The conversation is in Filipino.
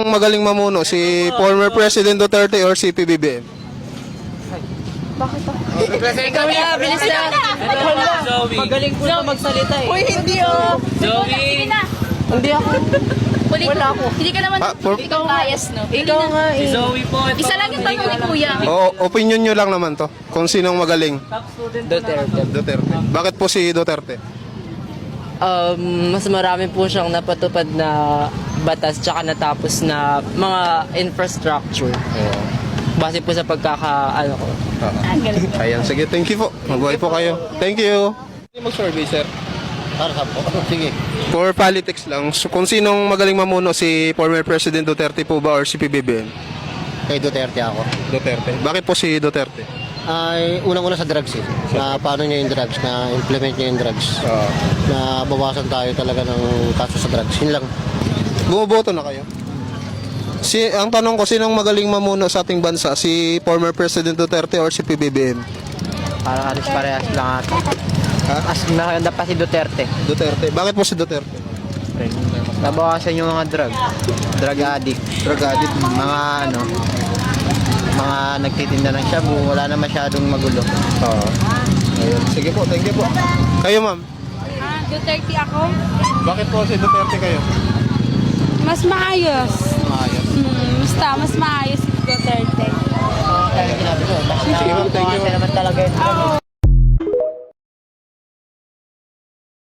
magaling mamuno, si former President Duterte or si PBBM? Bakit ako? Ikaw na, bilis na. Magaling po na magsalita eh. Uy, hindi oh. Zoe! Hindi ako. Wala ako. Hindi ka naman, ikaw bias, no? Ikaw nga Si eh. Zoe po. Isa lang yung tanong ni Kuya. Opinion nyo lang naman to, kung sinong magaling. Duterte. Duterte. Bakit po si Duterte? Mas marami po siyang napatupad na batas tsaka natapos na mga infrastructure. Base po sa pagkakaano ko. Ayan, sige, thank you po. Mabuhay po kayo. Thank you. Mag-survey, sir. Para sa po? Sige. For politics lang, so, kung sinong magaling mamuno, si former President Duterte po ba or si PBBM? Kay Duterte ako. Duterte. Bakit po si Duterte? Ay, unang-una sa drugs eh. Na paano niya yung drugs, na implement niya yung drugs. Na bawasan tayo talaga ng kaso sa drugs. Yun lang. Bumoboto na kayo? Ang tanong ko, sinong magaling mamuno sa ating bansa? Si former President Duterte or si PBBM? Parang alis parehas lang ata. As maganda pa si Duterte. Duterte. Bakit po si Duterte? Nabawasan yung mga drug addict. Drug addict. Mga ano, mga nagtitinda ng shabu, wala na masyadong magulo. Ayun. Sige po, thank you po. Kayo, ma'am? Duterte ako. Bakit po si Duterte kayo? Mas maayos. Maayos. Basta, mas maayos si Duterte. Sige, ma'am, thank you. Naman talaga yun.